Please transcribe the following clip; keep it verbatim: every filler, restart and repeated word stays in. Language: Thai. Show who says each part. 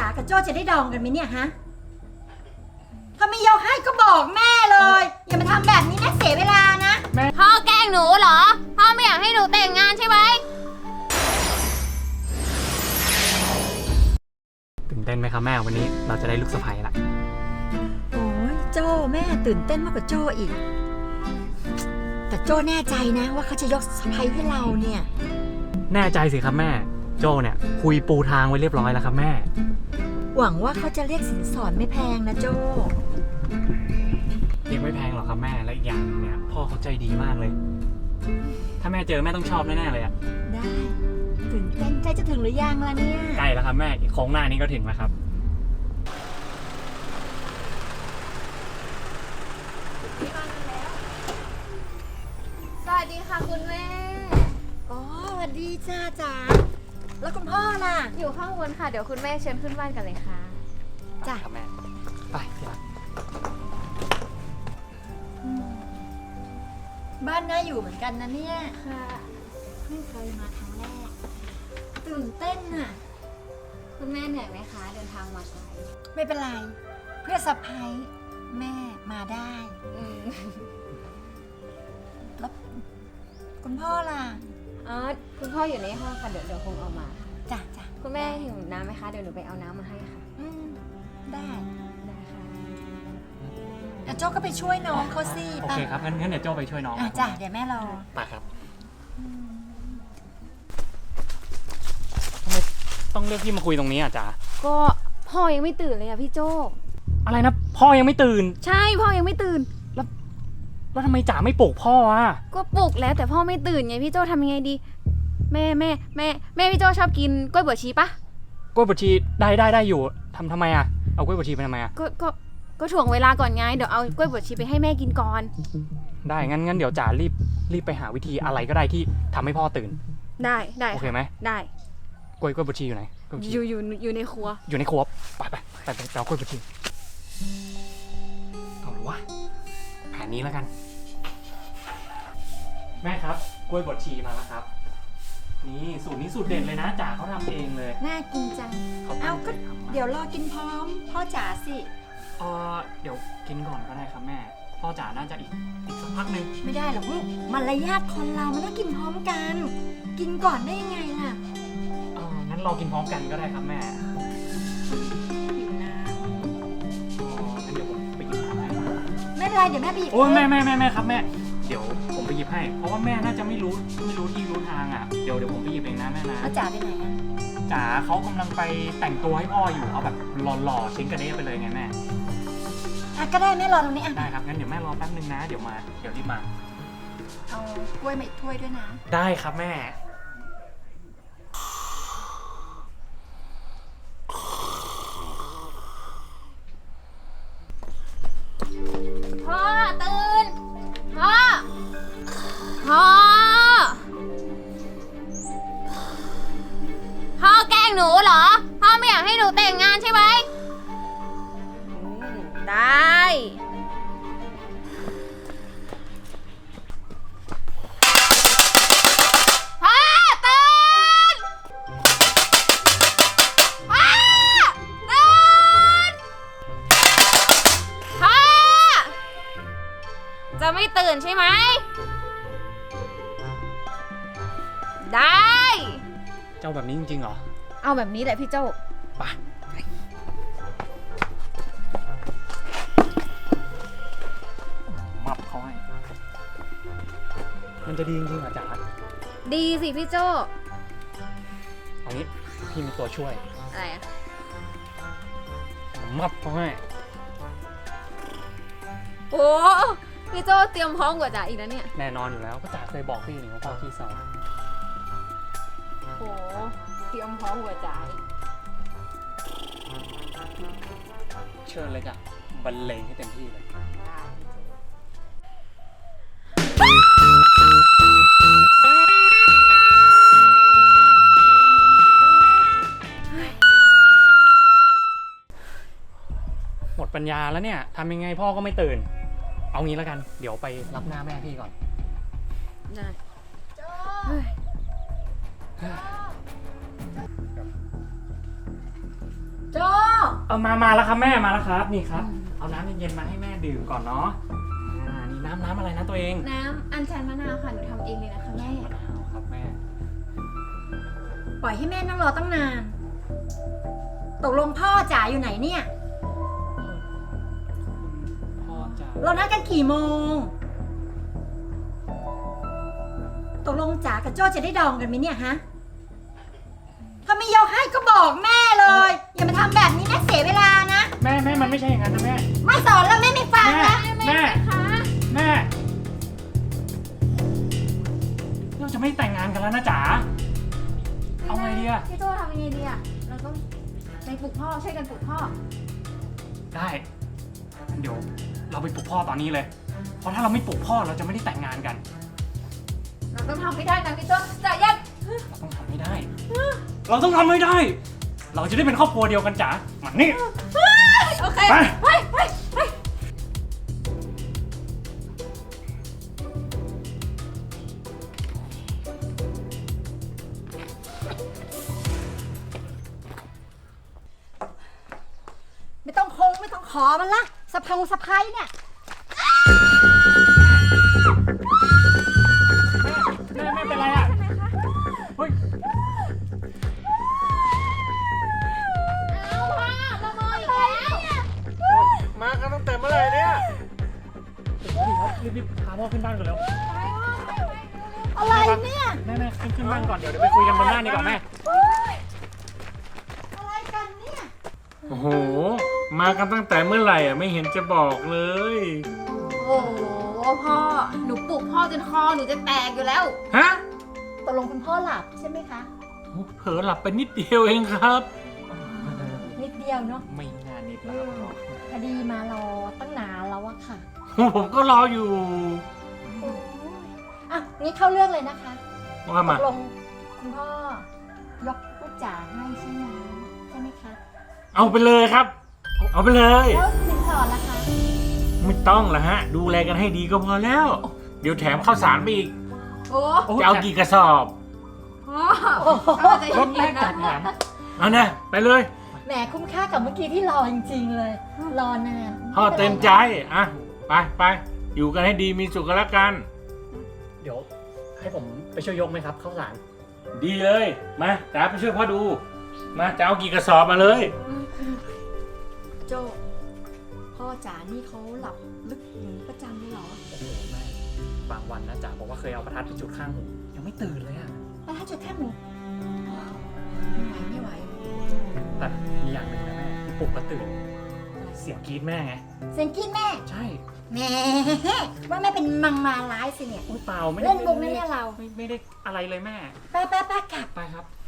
Speaker 1: กับโจ้จะได้ดองกันไหมเนี่ยฮะถ้าไม่ยกให้ก็บอกแม่เลยอย่ามาทำแบบนี้นะเสียเวลานะ
Speaker 2: พ่อแกล้งหนูเหรอพ่อไม่อยากให้หนูแต่งงานใช่ไหม
Speaker 3: ตื่นเต้นไหมครับแม่วันนี้เราจะได้ลูกสะใภ้ละ
Speaker 1: โอ้ยโจ้แม่ตื่นเต้นมากกว่าโจ้อีกแต่โจ้แน่ใจนะว่าเขาจะยกสะใภ้ให้เราเนี่ย
Speaker 3: แน่ใจสิครับแม่โจ้เนี่ยคุยปูทางไว้เรียบร้อยแล้วครับแม่
Speaker 1: หวังว่าเขาจะเรียกสินสอดไม่แพงนะโจ้
Speaker 3: เรียกไม่แพงหรอกครับแม่และอีกอย่างเนี่ยพ่อเขาใจดีมากเลยถ้าแม่เจอแม่ต้องชอบแน่ๆเลยอะ
Speaker 1: ได้ตื่นเต้นใกล้จะถึงหรือยังล่ะเนี่ย
Speaker 3: ใกล้แล้วครับแม่อีกโค้งหน้านี้ก็ถึงแล้วครับ
Speaker 2: สวัสดีค่ะคุณแม่
Speaker 1: อ๋อสวัสดีจ้าจ๋าแล้วคุณพ่อล่ะ
Speaker 2: อยู่ข้างบนค่ะเดี๋ยวคุณแม่เชิญขึ้นบ้านกันเลยค่ะ
Speaker 1: จ้ะ
Speaker 3: ครับแม่ไปที่รัก
Speaker 1: บ้านน่าอยู่เหมือนกันนะเนี่ย
Speaker 2: ค่ะ
Speaker 1: ไม่เคยมาครั้งแรกตื่นเต้นน่ะ
Speaker 2: คุณแม่เหนื่อยไหมคะเดินทางมาไกล
Speaker 1: ไม่เป็นไรเพื่อสะใภ้แม่มาได้แล้วคุณพ่อล่ะ
Speaker 2: อ๋อคุณพ่ออยู่ในห้องค่ะเดี๋ยวเดี๋ยวคงเอามา
Speaker 1: จ้ะจ้ะ
Speaker 2: คุณแม่หิวน้ำไหมคะเดี๋ยวหนูไปเอาน้ำมาให้ค่ะ
Speaker 1: อืมได้
Speaker 2: ได้ค่ะ
Speaker 1: เดี๋ยวโจ้ก็ไปช่วยน้องเขาสิ
Speaker 3: โอเคครับงั้นงั้นเดี๋ยวโจ้ไปช่วยน้อง
Speaker 1: อ่ะจ้ะเดี๋ยวแม่รอ
Speaker 3: ไปครับทำไมต้องเรียกพี่มาคุยตรงนี้อ่ะจ๊ะ
Speaker 2: ก็พ่อยังไม่ตื่นเลยอ่ะพี่โจ้
Speaker 3: อะไรนะพ่อยังไม่ตื่น
Speaker 2: ใช่พ่อยังไม่ตื่น
Speaker 3: แล้วแล้วทำไมจ๋าไม่ปลุกพ่ออ่ะ
Speaker 2: ก็ปลุกแล้วแต่พ่อไม่ตื่นไงพี่โจ้ทำยังไงดีแม่แม่แม่แม่พี่โจ้ชอบกินกล้วยบวชชีปะ
Speaker 3: กล้วยบวชชีได้ได้ได้อยู่ทำทำไมอ่ะเอากล้วยบวชชีไปทำไมอ่ะ
Speaker 2: ก็ก็ก็ถ่วงเวลาก่อนไงเดี๋ยวเอากล้วยบวชชีไปให้แม่กินก่อน
Speaker 3: ได้งั้นงั้นเดี๋ยวจ๋ารีบรีบไปหาวิธีอะไรก็ได้ที่ทำให้พ่อตื่น
Speaker 2: ได้ได้
Speaker 3: โอเคไหม
Speaker 2: ได้
Speaker 3: กล้วยกล้วยบวชชีอยู่ไหน
Speaker 2: อยู่อยู่อยู่ในครัว
Speaker 3: อยู่ในครัวไปไปไปไปเอากล้วยบวชชีเอาหรือวะแผนนี้แล้วกันแม่ครับกล้วยบดชีมาแล้วครับนี่สูตรนี้สูตรเด็ดเลยนะจ๋าเขาทำเองเลย
Speaker 1: น่ากินจังเอาก็เดี๋ยวรอกินพร้อมพ่อจ๋าสิ
Speaker 3: เออเดี๋ยวกินก่อนก็ได้ครับแม่พ่อจ๋าน่าจะอีกอีกสักพักหนึ่ง
Speaker 1: ไม่ได้หรอกลูกมารยาทคนเรามันต้องกินพร้อมกันกินก่อนได้ยังไงล่ะ
Speaker 3: เอองั้นรอกินพร้อมกันก็ได้ครับแม่
Speaker 1: หิวน้ำ
Speaker 3: อ๋องั้นเดี๋ยวผมไปหยิบน้ำให้
Speaker 1: ไม่เป็นไรเดี๋ยวแม่ไปหยิบ
Speaker 3: โอ้แม่แม่แม่แม่ครับแม่เดี๋ยวผมไปหยิบให้เพราะว่าแม่น่าจะไม่รู้ไม่รู้ที่รู้ทางอ่ะเดี๋ยวเดี๋ยวผมไปหยิบเองนะแม่นะ
Speaker 1: แล้วจ๋าไปไหนอ่ะ
Speaker 3: จ๋าเขากำลังไปแต่งตัวให้พ่ออยู่เอาแบบหล่อๆชิ้นกระเด้ไปเลยไงแม่
Speaker 1: อ่ะก็ได้แม่รอตรงนี้อ่ะ
Speaker 3: ได้ครับงั้นเดี๋ยวแม่รอแป๊บนึงนะเดี๋ยวมาเดี๋ยวรีบมา
Speaker 1: เอากล้วยมาอีกถ้วยด้วยนะ
Speaker 3: ได้ครับแม่
Speaker 2: พ่อตื่นพ่อพ่อพ่อแกล้งหนูเหรอพ่อไม่อยากให้หนูแต่งงานใช่ไหมได้พ่อตื่นพ่อตื่นพ่อจะไม่ตื่นใช่ไหมได้
Speaker 3: เจ้าแบบนี้จริงๆเหรอ
Speaker 2: เอาแบบนี้แหละพี่เจ้า
Speaker 3: ไปมับเขาให้มันจะดีจริงๆเหรอจ๋า
Speaker 2: ดีสิพี่โจ้
Speaker 3: เอางี้พี่มีตัวช่วย
Speaker 2: อะไรอะ
Speaker 3: มับเขาให้
Speaker 2: โอ้พี่โจ้เตรียมพร้อมกว่าจ๋าอีกนะเนี่ย
Speaker 3: แน่นอนอยู่แล้วก็จ๋าเคยบอกพี่นี่ว่าพ่อขี้เศร้า
Speaker 2: โอ้เตรียมพร้อมกว่าจ๋า
Speaker 3: เชิญเลยจ้ะบรรเลงให้เต็มที่เลยหมดปัญญาแล้วเนี่ยทำยังไงพ่อก็ไม่ตื่นเอางี้แล้วกันเดี๋ยวไปรับหน้าแม่พี่ก่อน
Speaker 2: ได้
Speaker 1: โจ้
Speaker 3: เอามามาแล้วครับแม่มาแล้วครับนี่ครับเอาน้ำเย็นๆมาให้แม่ดื่มก่อนเนาะอ่านี่น้ำน้ำอะไรนะตัวเอง
Speaker 2: น้ำอัญชันมะนาวค่ะ หนูทำเองเลยนะคะแม่
Speaker 3: มะนาวครับแม่
Speaker 1: ปล่อยให้แม่นั่งรอตั้งนาน ตกลงพ่อจ๋าอยู่ไหนเนี่ย
Speaker 3: พ่อจะ
Speaker 1: เรานัดกันกี่โมง ตกลงจ๋ากับโจ้จะได้ดองกันไหมเนี่ยฮะ ถ้าไม่ยกให้ก็บอกแม่เลย อย่ามาทำแบบนี้นะเสียเวลานะ
Speaker 3: แม่แม่มันไม่ใช่อย่างนั้นนะแม่
Speaker 1: ไม่สอนแล้วแม่ไม่ฟัง
Speaker 3: แม่
Speaker 1: นะ
Speaker 3: แม่
Speaker 2: คะ
Speaker 3: แม่เราจะไม่แต่งงานกันแล้วนะจ๋าเอาไงดีอะ
Speaker 2: พี่โจทำยังไงดีอะเราต้องไปปลุกพ่อช่วยกันปลุกพ่อ
Speaker 3: ได้งั้นเดี๋ยวเราไปปลุกพ่อตอนนี้เลย เพราะถ้าเราไม่ปลุกพ่อเราจะไม่ได้แต่งงานกัน
Speaker 2: เราต้องทำให้ได้นะพี่โจจะยัด
Speaker 3: เราต้องทำให้ได้ เราต้องทำให้ได้ เราจะได้เป็นครอบครัวเดียวกันจ๋ามานี่
Speaker 2: โอเค
Speaker 3: ไป
Speaker 2: ไปไปไป
Speaker 1: ไม่ต้องคงไม่ต้องขอมันละสะพงสะพายเนี่ย
Speaker 3: แม่แม่เป็นไรอ่ะเฮ้ย
Speaker 2: เอาพ่อละเมออีกแล้ว
Speaker 4: มากันตั้งแต่เมื่อไหร่เนี่ย
Speaker 3: รีบรีบพาพ่อขึ้นบ้านก่อนเร็ว
Speaker 1: อะไรเนี่ย
Speaker 3: แม่แม่ขึ้นขึ้นบ้านก่อนเดี๋ยวเดี๋ยวไปคุยกันบนบ้านดีกว่าแม่
Speaker 1: อะไรกันเนี่ย
Speaker 4: โอ้โห มากันตั้งแต่เมื่อไหร่อ่ะไม่เห็นจะบอกเลย
Speaker 2: โอ้โหพ่อ หนูปลุกพ่อจนคอหนูจะแตกอยู่แล้ว
Speaker 4: ฮะ
Speaker 1: ตกลงคุณพ่อหลับใช่ไหมคะ
Speaker 4: โอ้เผลอหลับไปนิดเดียวเองครับ
Speaker 1: นิดเดียวเนาะ
Speaker 3: ไม่นานนิดแล้วครับพ่อ
Speaker 1: คดีมารอตั้งนานแล้วอะค่ะ
Speaker 4: ผมก็รออยู่
Speaker 1: อ่ะงี้เข้าเรื่องเลยนะคะ
Speaker 4: ว่า
Speaker 1: ต
Speaker 4: มา
Speaker 1: กลงคุณพ่อยกลูกจ๋าให้ใช่ไหมใช่ไหมคะ
Speaker 4: เอาไปเลยครับ เอาไปเลย
Speaker 1: แล้วสินสอดล่ะคะ
Speaker 4: ไม่ต้องละฮะ ดูแลกันให้ดีก็พอแล้ว เดี๋ยวแถมข้าวสารไปอีก
Speaker 2: โอ้
Speaker 4: จะเอากี่กระสอบ
Speaker 2: พ่อเอาใจ
Speaker 3: รถแร
Speaker 2: เย็
Speaker 3: ก
Speaker 2: นๆ
Speaker 3: จัดแถ
Speaker 2: นะ
Speaker 3: ม
Speaker 4: เอานะไปเลย
Speaker 1: แหมคุ้มค่ากับเมื่อกี้ที่รอจริงๆเลย รอนาน
Speaker 4: พ่อเต็มใจอ่ะไปไปอยู่กันให้ดีมีสุขกันแล้วกัน
Speaker 3: เดี๋ยวให้ผมไปช่วยยกไหมครับข้าวสาร
Speaker 4: ดีเลยมาจ๋าไปช่วยพ่อดู มาจะเอากี่กระสอบมาเลย
Speaker 1: โจพ่อจ๋านี่เขาหลับลึกอย่างนี้ประจำเลยเหรอ
Speaker 3: โอ้โหแม่บางวันนะจ๋าบอกว่าเคยเอาประทัดไปจุดข้างหูยังไม่ตื่นเลยอะ
Speaker 1: แล้วถ้าจุดแค่หมูไม่ไหวไม่ไหว
Speaker 3: แต่มีอย่างหนึ่งนะแม่ที่ปลุกแล้วตื่น เสียงกรี๊ดแม่ไง
Speaker 1: เสียงกินแม่
Speaker 3: ใช่
Speaker 1: แหมว่าแม่เป็นมังมาร้ายสิเนี่ย
Speaker 3: อุ้ยเปล่าไม่ได้
Speaker 1: เล่นมุกนะเนี่ยเรา
Speaker 3: ไม่ไม่ได้อะไรเลยแม่
Speaker 1: แป๊ะแป๊ะแป๊ะกลับ
Speaker 3: ไปครับ